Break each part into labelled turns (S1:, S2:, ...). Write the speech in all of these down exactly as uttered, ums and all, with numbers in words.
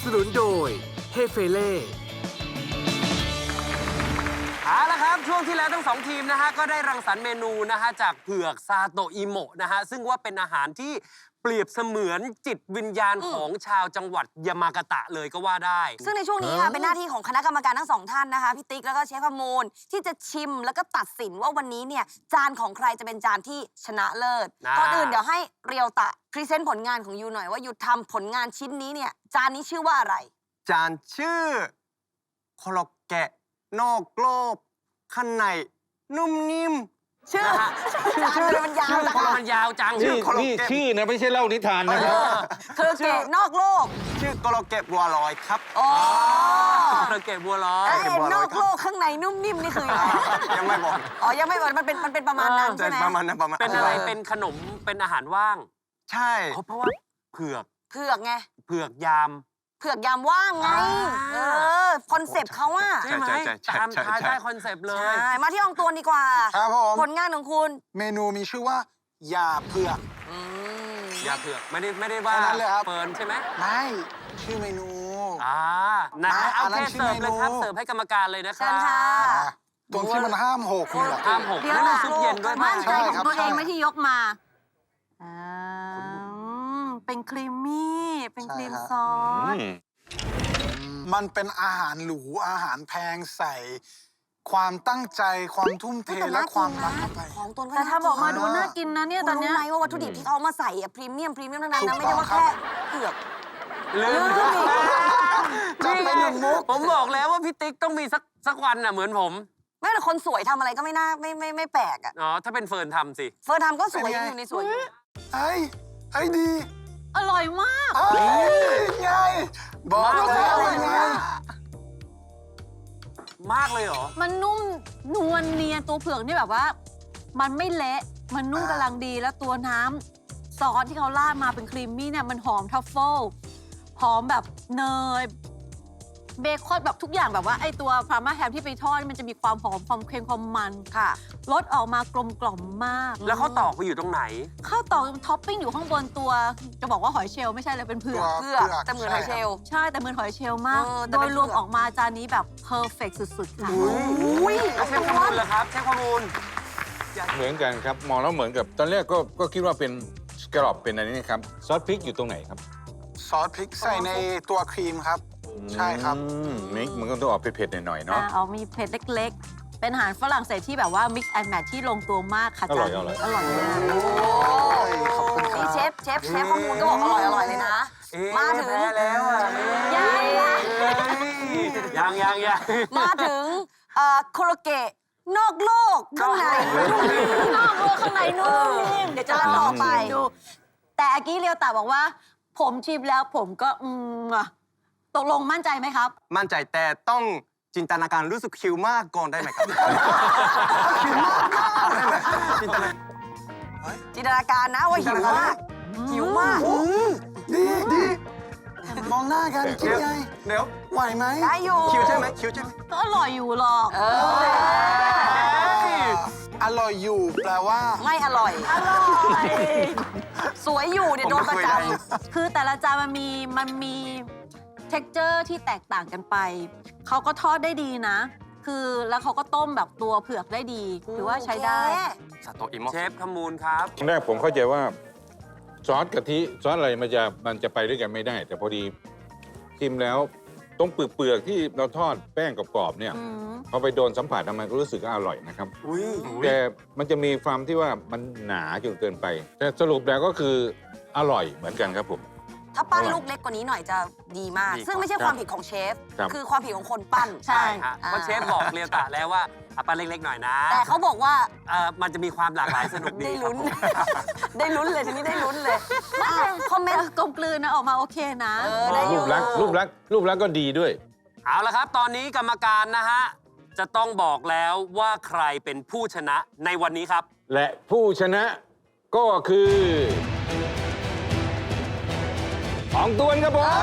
S1: นุนโดยเฮเฟเล่เอาละครับช่วงที่แล้วทั้งสองทีมนะฮะก็ได้รังสรรค์เมนูนะฮะจากเผือกซาโตอิโมะนะฮะซึ่งว่าเป็นอาหารที่เปรียบเสมือนจิตวิญญาณของชาวจังหวัดยามากาตะเลยก็ว่าได้
S2: ซึ่งในช่วงนี้ค่ะเป็นหน้าที่ของคณะกรรมการทั้งสองท่านนะคะพี่ติ๊กแล้วก็เชฟพมูลที่จะชิมแล้วก็ตัดสินว่าวันนี้เนี่ยจานของใครจะเป็นจานที่ชนะเลิศก่อนอื่นเดี๋ยวให้เรียวตะพรีเซนต์ผลงานของยูหน่อยว่ายูทำผลงานชิ้นนี้เนี่ยจานนี้ชื่อว่าอะไร
S3: จานชื่อโคโลแกะนอกโลกข้างในนุ่มนิ่ม
S2: ชื่อจานเลยมันยาวจัง
S1: มันยาวจัง
S4: นี่นี่ชื่อนะไม่ใช่เล่านิทานนะครับ
S2: โคโลแกะนอกโลก
S3: ชื่อโคโลแกะบัวลอยครับ
S2: อ๋อ
S1: โคโลแกะบัวลอย
S2: ไอ้นอกโลกข้างในนุ่มนิ่มนี่คืออะไร
S3: ยังไม่บอก
S2: อ๋อยังไม่บอกมันเป็นมันเป็นประมาณนั้นใช่ไหม
S3: ประมาณนั้นประมาณ
S1: เป็นอะไรเป็นขนมเป็นอาหารว่าง
S3: ใช่
S1: เพราะว่าเผือก
S2: เผือกไง
S1: เผือกยาม
S2: เผือกยามว่างไงเออคอนเซปต์เขาว่า
S1: ใช่ไหมตามท้ายได้คอนเซปต์เลย
S2: ใช่มาที่อองตวนดีกว่า
S5: ครับผม
S2: ผลงานของคุณ
S5: เมนูมีชื่อว่ายาเผือก
S1: ยาเผือกไม่ได้ไม่ได้ว่าเฟิร์นใช่ไหม
S5: ไม่ชื่อเมนู
S1: อ่านะเอาแค่เสิร์ฟเลยครับเสิร์ฟให้กรรมการเลยนะครับ
S2: เชิญค่ะ
S5: ตรงที่มันห้ามหกนี่แหละ
S1: ห้ามหกแล้วน้ำซุปเย็นด้วย
S2: มั่นใจของตัวเองไม่ที่ยกมาเป็นครีมมี่เป็นครีมซอส
S5: มันเป็นอาหารหรูอาหารแพงใส่ความตั้งใจความทุ่มเทและความรักเข้าไป
S2: ของตัว
S6: แต่ถ้าบอกมาดูน่ากินนะเนี่ยตอนนี้
S2: รู้ไหมว่าวัตถุดิบที่เขามาใส่อะพรีเมียมพรีเมียมทั้งนั้นนะไม่ได้ว่าแค่เผือก
S1: ลืม
S5: จะเป็นหนึ่งมุก
S1: ผมบอกแล้วว่าพี่ติ๊กต้องมีสักสักวันน่ะเหมือนผม
S2: แม้แต่คนสวยทำอะไรก็ไม่น่าไม่ไม่ไม่แปลกอ่ะ
S1: อ๋อถ้าเป็นเฟิร์นทำสิ
S2: เฟิร์นทำก็สวยอยู่ในสวย
S5: ไอ้ไอ้ดี
S6: อร่อยมาก
S5: ไอ้ไงบอกแล้วไง
S1: มากเลยเหรอ
S6: มันนุ่มนวลเนียนตัวเผือกนี่แบบว่ามันไม่เละมันนุ่มกำลังดีแล้วตัวน้ำซอสที่เขาราดมาเป็นครีมมี่เนี่ยมันหอมทัฟเฟิลหอมแบบเนยเบคอนแบบทุกอย่างแบบว่าไอตัวพาร์มาแฮมที่ไปทอดมันจะมีความหอมความเค็มความมัน
S2: ค่ะ
S6: รสออกมากลมกล่อมมาก
S1: แล้วเขาตอกไปอยู่ตรงไหน
S6: ข้าวตอกท็อปปิ้งอยู่ข้างบนตัวจะบอกว่าหอยเชลล์ไม่ใช่เลยเป็นเผือก
S2: เผือกแต่เหมือนหอยเชลล์
S6: ใช่แต่เหมือนหอยเชลล์มากโดยรวมออกมาจานนี้แบบเพอร์เฟกต์สุดๆค่ะ
S1: อุ้ยแล้วเชฟข้อมูลเหรอครับเชฟข้อมูล
S4: เหมือนกันครับมองแล้วเหมือนกับตอนแรกก็ก็คิดว่าเป็นสกรอบเป็นอะไรนี่ครับซอสพริกอยู่ตรงไหนครับ
S5: ซอสพริกใส่ในตัวครีมครับใช่ครับ
S4: มิกมันก็ต้องออกเผ็ดๆหน่อยๆเนาะ
S6: เอามีเผ็ดเล็กๆเป็นอาหารฝรั่งเศสที่แบบว่า mix and match ที่ลงตัวมากค่ะ
S4: อร่อยอร่อย
S6: อร่อยเลย
S2: โอ้ขอบคุณครับเชฟเชฟเชฟข้อมูลก็บอกอร่อยอร่อยเลยนะมาถึง
S1: แล้ว
S2: ยัง
S1: ยังยังยัง
S2: มาถึงโคโลเกะนอกโลกข้างใน
S6: นอกโลกข้างในนุ่มนิ่มเดี๋ยวจะต่อไปดูแต่อากี้เรียวตาบอกว่าผมชิมแล้วผมก็อืมตกลงมั่นใจไหมครับ
S3: มั่นใจแต่ต้องจินตนาการรู้สึกคิวมากก่อนได้ไหมครับคิวมาก
S2: จินตนาจินตนาการนะว่าหิวมากหิวมาก
S5: ดีดีมองหน้ากันคิดไง
S3: เดี๋ยว
S5: ไหวไหม
S2: ได้อยู่
S3: คิวใช่ไหมคิวใช่ไหม
S6: ก็อร่อยอยู่หรอก
S5: อร่อยอยู่แปลว่า
S2: ไม่อร่อย
S6: อร่อย
S2: สวยอยู่เนี่ยโดนประจำ
S6: คือแต่ละจานมันมีมันมีเท็กเจอร์ที่แตกต่างกันไปเขาก็ทอดได้ดีนะคือแล้วเขาก็ต้มแบบตัวเผือกได้ดีถือว่าใช้ได้
S3: ซาโตอิโมะ
S1: เชฟขมูลครับ
S4: ตอนแรกผมเข้าใจว่าซอสกะทิซอสอะไรมันจะมันจะไปด้วยกันไม่ได้แต่พอดีชิมแล้วตรงเปลือกที่เราทอดแป้งกรอบๆเนี่ยพอไปโดนสัมผัสมันก็รู้สึกอร่อยนะครับแต่มันจะมีความที่ว่ามันหนาจนเกินไปแต่สรุปแล้วก็คืออร่อยเหมือนกันครับผม
S2: ถ้าปั้นลูกเล็กกว่านี้หน่อยจะดีมากซึ่งไม่ใช่ความผิดของเชฟคือความผิดของคนปั้น
S1: ใช่เพราะเชฟบอกเรียวตะแล้วว่าปั้นเล็กๆหน่อยนะ
S2: แต่เขาบอกว่า
S1: มันจะมีความหลากหลายสนุกดี
S2: ได้ลุ้นได้ลุ้นเลยทีนี้ได้ลุ้นเลยคอมเมนต์
S6: กลมกลืนนะออกมาโอเคนะ
S4: รูปลักษณ์รูปลักษณ์รูปลักษณ์ก็ดีด้วย
S1: เอาละครับตอนนี้กรรมการนะฮะจะต้องบอกแล้วว่าใครเป็นผู้ชนะในวันนี้ครับ
S4: และผู้ชนะก็คืออองตวนครับผม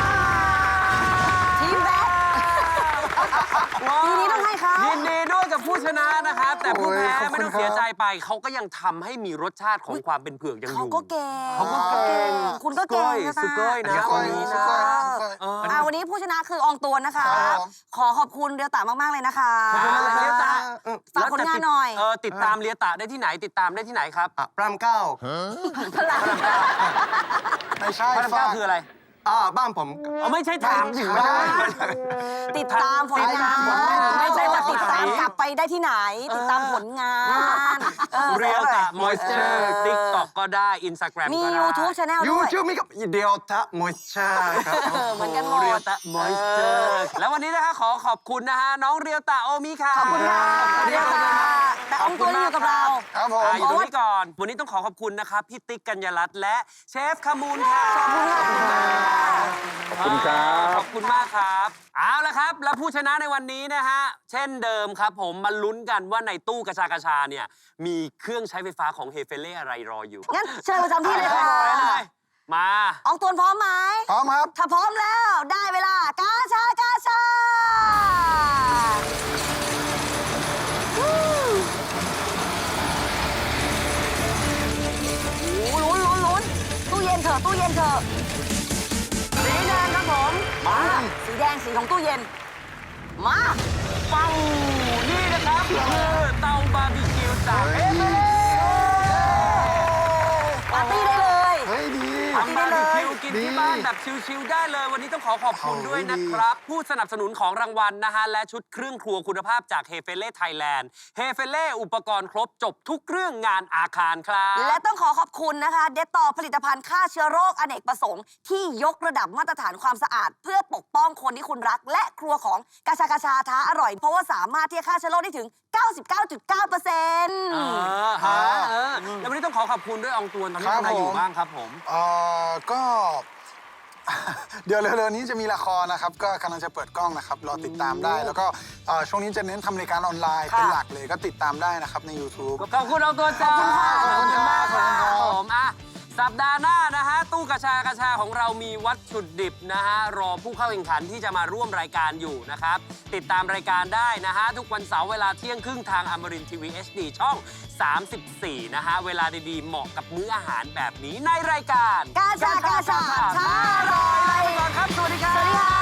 S2: ทีมแบทปีนี้ต้องให้เขา
S1: ยินดีด้วยกับผู้ผู้ชนะนะครับ แต่ผู้แพ้
S5: โอ้ยขอบคุณ
S1: ไม่ต้องเสียใจไป เขาก็ยังทำให้มีรสชาติของความเป็นเผือกยังอ
S2: เขา
S1: ยู่
S2: ก็เก่ง
S1: เขาก็เก่ง
S2: คุณก็เก่ง
S1: สุโกย
S2: นะ
S1: สุโกยนะ
S5: สุโกย
S1: คนนี้
S5: สุ
S1: นะ
S5: โกย
S1: เออ
S2: อ่าวันนี้ผู้ชนะคืออองตวนนะคะ
S5: ครับผม
S2: ขอขอบคุณเรียวตามาก ๆ เลยนะคะ
S1: ขอบคุณมากเลยเรียวตะ
S2: ฝากผลงานหน่อย
S1: เออติดตามเรียตะได้ที่ไหนติดตามได้ที่ไหนครับ
S3: อ่ะพระรามเก้า
S2: พลัง
S5: ไม่ใช่
S1: พระราม
S5: ฝา
S1: เก้าก คืออะไร
S3: อ่าบ้านผม
S1: อ๋อไม่ใช่ถามถึงบ้าน
S2: ติดตามผลงาน
S1: ติดตามผลงาน
S2: ไม่ใช่ว่าติดตามกลับไปได้ที่ไหน ติดตามผลงานออ
S1: เรียวตะมอยเจอร์ติ๊กต็อกก็ได้อินสตาแกรม
S2: มี
S1: ก็ได้
S2: YouTube Channel
S3: ยู
S2: ด้วย
S3: ทูบมีกับเดียวทะมอยเชอร์ครับ
S2: เออเหมือนกันหมด
S1: เรียวตะมอยเจอร์แล้ววันนี้นะคะขอขอบคุณนะฮะน้องเรียวตะโอมิค่ะ
S2: ขอบคุณค่ะเรียวตาแต่อองตวนอยู่กับเรา
S5: ครับผม
S1: อ่าอยู่ตรงนี้ก่อน วันนี้ต้องขอขอบคุณนะครับพี่ติ๊กกัญญารัตน์และเชฟขมูลค่ะ
S2: ขอบคุณค่ะ
S4: ขอบคุณครับ
S1: ขอบคุณมากครับ เอาละครับ และผู้ชนะในวันนี้นะฮะ เช่นเดิมครับผมมาลุ้นกันว่าในตู้กระชากระชาเนี่ย มีเครื่องใช้ไฟฟ้าของเฮเฟเล่อะไรรออยู่
S2: งั้นเชิญประจำที่เลยค่ะ
S1: ไปเลยมา
S2: อองตวนพร้อมไหม
S5: พร้อมครับ
S2: ถ้าพร้อมแล้วได้เวลากาชากาชาวู้โหลุ้นลุ้นลุ้นตู้เย็นเถอะตู้เย็นเถอะสีแดงครับผมมาสีแดงสีของตู้เย็น มา
S1: ปังนี่นะครับคือเตาบาร์บีคิวจากเฮเฟเล่
S2: ปาร์ตี้ได้เลย
S5: เฮ้ยดี
S1: ทำบาร์บีคิวกิน
S5: ดี
S1: ที่บ้านแบบชิลๆได้เลย วันนี้ต้องขอขอบคุณ
S5: โอ้ย
S1: ด้วยนะครับ ผู้สนับสนุนของรางวัลนะฮะ และชุดเครื่องครัวคุณภาพจากเฮเฟเล่ไทยแลนด์เฮเฟเล่อุปกรณ์ครบจบทุกเรื่องงานอาคารครับ
S2: และต้องขอขอบคุณนะคะ เดตต่อผลิตภัณฑ์ฆ่าเชื้อโรคอเนกประสงค์ที่ยกระดับมาตรฐานความสะอาด เพื่อปกป้องคนที่คุณรัก และครัวของกาชากาชาท้าอร่อย เพราะว่าสามารถที่จะฆ่าเชื้อโรคได้ถึง เก้าสิบเก้าจุดเก้าเปอร์เซ็นต์
S1: เออฮะเออแล้ววันนี้ต้องขอขอบคุณด้วยอองตวนตอนนี้
S5: ครับ
S1: ทำอะไรอยู่
S5: ผม
S1: บ้างครับผม
S5: เอ่อก็ เดี๋ยวเร็วๆนี้จะมีละครนะครับ ก็กำลังจะเปิดกล้องนะครับ รอติดตามได้ แล้วก็เอ่อช่วงนี้จะเน้นทำรายการออนไลน์เป็นหลักเลย ก็ติดตามได้นะครับใน YouTube
S1: ขอบคุณอองตวนจ้า
S5: ขอบคุณค่ะ
S1: ขอบคุณมากค
S5: ขอบคุณครั
S1: รับบ ผมอ่ะสัปดาห์หน้านะฮะ ตู้กระชากระชาของเรามีวัตถุดิบนะฮะ รอผู้เข้าแข่งขันที่จะมาร่วมรายการอยู่นะครับ ติดตามรายการได้นะฮะ ทุกวันเสาร์เวลาเที่ยงครึ่งทางอมรินทีวีเอชดีช่อง สามสิบสี่ นะฮะ เวลาดีๆ เหมาะกับมื้ออาหารแบบนี้ในรายการ
S2: กาชากาชาท้าอร่อย
S1: ลาไปก่อนครับ สวัสดีครับ
S2: สวัสดีค่ะ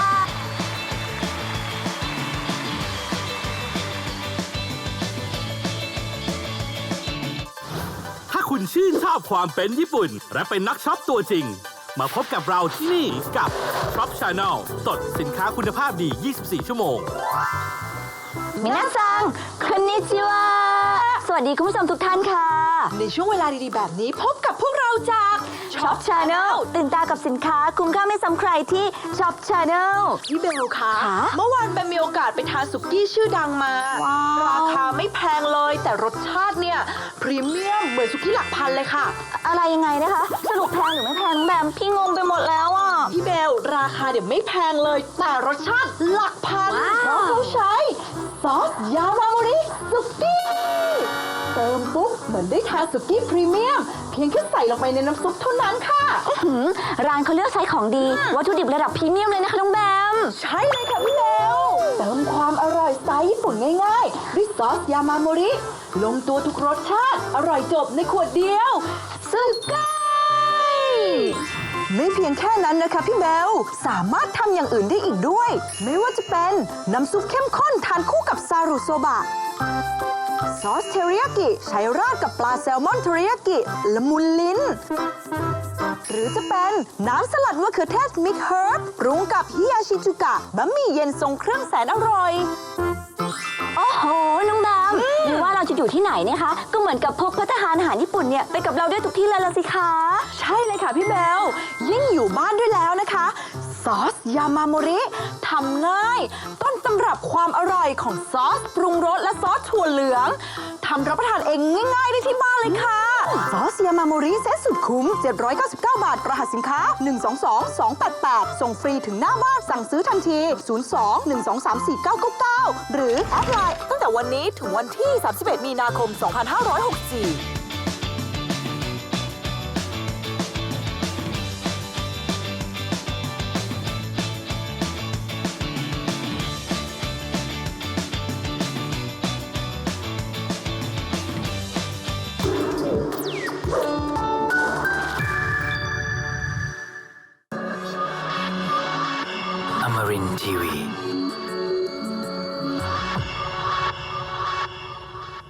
S7: ถ้าคุณชื่นชอบความเป็นญี่ปุ่น และเป็นนักช็อปตัวจริง มาพบกับเราที่นี่กับ Shop Channel สดสินค้าคุณภาพดี ยี่สิบสี่ ชั่วโมง
S8: มินาซังคนนิจิวะสวัสดีคุณผู้ชมทุกท่านค่ะ
S9: ในช่วงเวลาดีๆ แบบนี้พบกับพวกเราจาก
S8: Shop Channel ตื่นตากับสินค้าคุ้มค่าไม่ซ้ำใครที่ Shop Channel
S9: พี่เบลคะ
S8: ค่ะ
S9: เมื่อวานแบมมีโอกาสไปทานสุกี้ชื่อดังมา
S8: ว้าว
S9: ราคาไม่แพงเลย แต่รสชาติเนี่ย พรีเมียมเหมือนสุกี้หลักพันเลยค่ะ
S8: อะไรยังไงนะคะ สรุปแพงหรือไม่แพงน้องแบมพี่งงไปหมดแล้วอ่ะ
S9: พี่เบลราคาเดี๋ยวไม่แพงเลย แต่รสชาติหลักพัน
S8: ว้าว
S9: เพราะเขาใช้ซอสยามาโมริสุกี้เติมปุ๊บเหมือนได้ทานสุกี้พรีเมียม เพียงแค่ใส่ลงไปในน้ำซุปเท่านั้นค่ะ
S8: หืมร้านเขาเลือกใช้ของดี วัตถุดิบระดับพรีเมียมเลยนะคะน้องแบม
S9: ใช่เลยค่ะพี่เบลเติมความอร่อยสไตล์ญี่ปุ่นง่ายๆด้วยซอสยามาโมริ ลงตัวทุกรสชาติ อร่อยจบในขวดเดียวสุกี้ไม่เพียงแค่นั้นนะคะพี่เบล สามารถทำอย่างอื่นได้อีกด้วย ไม่ว่าจะเป็นน้ำซุปเข้มข้นทานคู่กับซารุโซบะ ซอสเทริยากิใช้ราดกับปลาแซลมอนเทริยากิละมุนลิ้น หรือจะเป็นน้ำสลัดมะเขือเทศมิกเฮิร์บปรุงกับฮิยาชิจุกะบะหมี่เย็นทรงเครื่องแสนอร่อย
S8: โอ้โห น้องแบมไม่ว่าเราจะอยู่ที่ไหนเนี่ยคะ ก็เหมือนกับพกภัตตาหารอาหารญี่ปุ่นเนี่ยไปกับเราด้วยทุกที่เลยละสิคะ
S9: ใช่เลยค่ะพี่เบล ยิ่งอยู่บ้านด้วยแล้วนะคะ ซอสยามาโมริทำง่าย ต้นตำรับความอร่อยของซอสปรุงรสและซอสถั่วเหลืองทำรับประทานเองง่ายๆได้ที่บ้านเลยค่ะ ซอสยามาโมริเซ็ตสุดคุ้ม เจ็ดร้อยเก้าสิบเก้า บาท รหัสสินค้า หนึ่ง สอง สอง สอง แปด แปด ส่งฟรีถึงหน้าบ้านสั่งซื้อทันที ศูนย์ สอง หนึ่ง สอง สาม สี่ เก้า เก้า เก้า หรือแอดไลน์ตั้งแต่วันนี้ถึงวันที่ สามสิบเอ็ด มีนาคม สองพันห้าร้อยหกสิบสี่
S10: Amarin Tiwi.